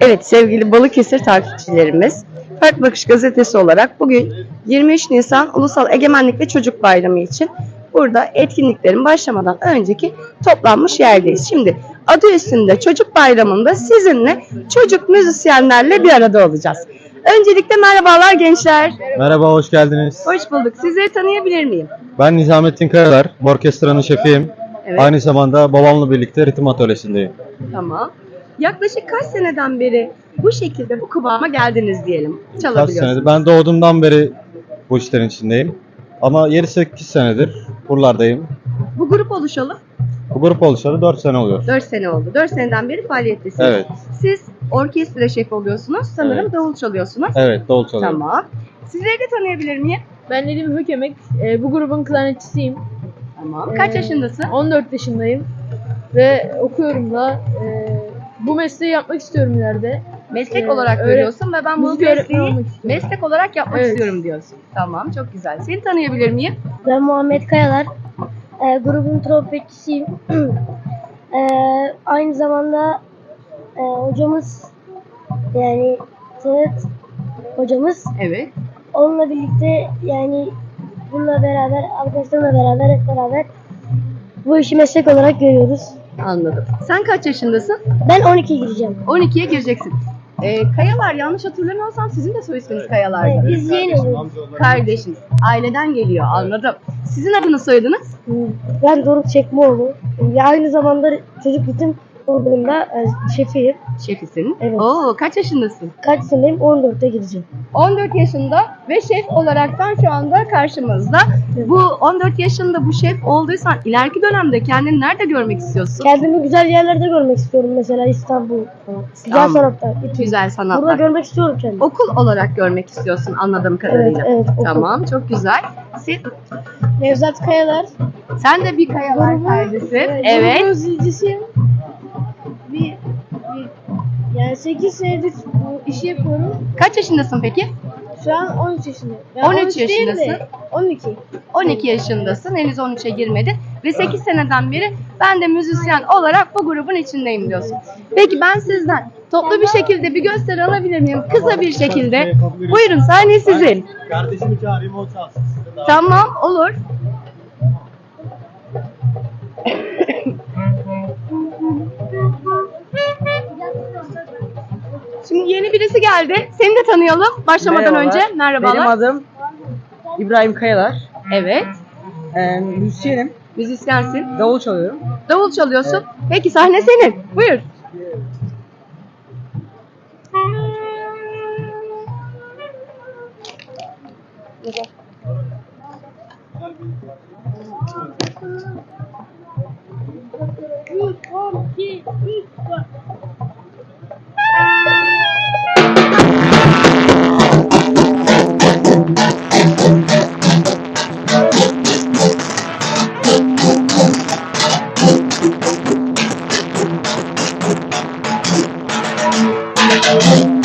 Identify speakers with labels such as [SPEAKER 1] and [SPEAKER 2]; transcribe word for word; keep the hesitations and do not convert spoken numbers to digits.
[SPEAKER 1] Evet sevgili Balıkesir takipçilerimiz, Farklı Bakış Gazetesi olarak bugün yirmi üç Nisan Ulusal Egemenlik ve Çocuk Bayramı için burada etkinliklerin başlamadan önceki toplanmış yerdeyiz. Şimdi adı üstünde Çocuk Bayramı'nda sizinle çocuk müzisyenlerle bir arada olacağız. Öncelikle merhabalar gençler.
[SPEAKER 2] Merhaba, hoş geldiniz.
[SPEAKER 1] Hoş bulduk. Sizleri tanıyabilir miyim?
[SPEAKER 2] Ben Nizamettin Kayalar, bu orkestranın şefiyim.
[SPEAKER 1] Evet.
[SPEAKER 2] Aynı zamanda babamla birlikte ritim atölyesindeyim.
[SPEAKER 1] Tamam. Yaklaşık kaç seneden beri bu şekilde bu kıvama geldiniz diyelim.
[SPEAKER 2] Kaç
[SPEAKER 1] Çalabiliyorsunuz.
[SPEAKER 2] senedir? Ben doğduğumdan beri bu işlerin içindeyim. Ama yedi sekiz senedir buralardayım.
[SPEAKER 1] Bu grup oluşalı
[SPEAKER 2] Bu grup oluşalı dört sene oluyor.
[SPEAKER 1] dört sene oldu. dört seneden beri faaliyettesiniz.
[SPEAKER 2] Evet.
[SPEAKER 1] Siz orkestra şefi oluyorsunuz. Sanırım
[SPEAKER 2] Evet.
[SPEAKER 1] davul çalıyorsunuz.
[SPEAKER 2] Evet, davul çalıyorum.
[SPEAKER 1] Tamam. Sizleri de tanıyabilir miyim?
[SPEAKER 3] Ben Nedim Hökemek, e, bu grubun klarnetçisiyim.
[SPEAKER 1] Tamam. Kaç
[SPEAKER 3] Ee,
[SPEAKER 1] yaşındasın?
[SPEAKER 3] on dört yaşındayım ve okuyorum da. E, bu mesleği yapmak istiyorum ileride.
[SPEAKER 1] Meslek
[SPEAKER 3] Ee,
[SPEAKER 1] olarak
[SPEAKER 3] öğret-
[SPEAKER 1] görüyorsun ve ben bu
[SPEAKER 3] müzik öğretmeni
[SPEAKER 1] mesleği
[SPEAKER 3] olmak istiyorum.
[SPEAKER 1] meslek olarak yapmak
[SPEAKER 3] Evet.
[SPEAKER 1] istiyorum diyorsun. Tamam, çok güzel. Seni tanıyabilir miyim?
[SPEAKER 4] Ben Muhammed Kayalar. Ee, grubun trompetçisiyim. Ee, aynı zamanda e, hocamız yani Senet hocamız.
[SPEAKER 1] Evet.
[SPEAKER 4] Onunla birlikte yani bununla beraber arkadaşlarımla beraber hep beraber bu işi meslek olarak görüyoruz.
[SPEAKER 1] Anladım. Sen kaç yaşındasın?
[SPEAKER 4] Ben on iki gireceğim.
[SPEAKER 1] on ikiye gireceksin. Ee, Kayalar, yanlış hatırlamıyorsam sizin de soy isminiz Kayalar'dı.
[SPEAKER 4] Evet, biz yeni oluyoruz.
[SPEAKER 1] Kardeşiniz. Aileden geliyor, anladım. Sizin adını soyadınız?
[SPEAKER 4] Ben Doruk Çekmeoğlu. Ya aynı zamanda çocuk ritim grubunda e, şefiyim.
[SPEAKER 1] Şefisin.
[SPEAKER 4] Evet.
[SPEAKER 1] Oo, kaç yaşındasın?
[SPEAKER 4] Kaç seneyim? on dörtte gireceğim.
[SPEAKER 1] on dört yaşında ve şef olaraktan şu anda karşımızda. Bu on dört yaşında bu şef olduysan ileriki dönemde kendini nerede görmek istiyorsun?
[SPEAKER 4] Kendimi güzel yerlerde görmek istiyorum, mesela İstanbul, Güzel
[SPEAKER 1] Tamam.
[SPEAKER 4] Sanatlar, İTÜ.
[SPEAKER 1] Güzel
[SPEAKER 4] Burada
[SPEAKER 1] sanatlar.
[SPEAKER 4] görmek istiyorum kendimi.
[SPEAKER 1] Okul olarak görmek istiyorsun anladığım
[SPEAKER 4] Evet,
[SPEAKER 1] kadarıyla.
[SPEAKER 4] evet. okul.
[SPEAKER 1] Tamam, çok güzel. Siz,
[SPEAKER 4] Nevzat Kayalar.
[SPEAKER 1] sen de bir Kayalar kardeşi. Evet.
[SPEAKER 4] Grubun zilcisiyim. Bir, bir, yani sekiz senedir bu işi yapıyorum.
[SPEAKER 1] Kaç yaşındasın peki?
[SPEAKER 4] Şu an on üç yaşındayım.
[SPEAKER 1] on üç yaşındasın.
[SPEAKER 4] on iki.
[SPEAKER 1] on iki yaşındasın. Henüz on üçe girmedin. Ve sekiz seneden beri ben de müzisyen olarak bu grubun içindeyim diyorsun. Peki ben sizden toplu bir şekilde bir gösteri alabilir miyim? Kısa bir şekilde. Buyurun, sahne sizin.
[SPEAKER 2] Kardeşimi çağırayım, o çalsın.
[SPEAKER 1] Tamam, olur. Şimdi yeni birisi geldi. Seni de tanıyalım başlamadan
[SPEAKER 5] Merhabalar.
[SPEAKER 1] önce. Merhabalar.
[SPEAKER 5] Benim adım İbrahim Kayalar.
[SPEAKER 1] Evet.
[SPEAKER 5] Ee, müzisyenim.
[SPEAKER 1] Müzisyensin.
[SPEAKER 5] Davul çalıyorum.
[SPEAKER 1] Davul çalıyorsun. Peki sahne senin. Buyur.
[SPEAKER 4] Thank you.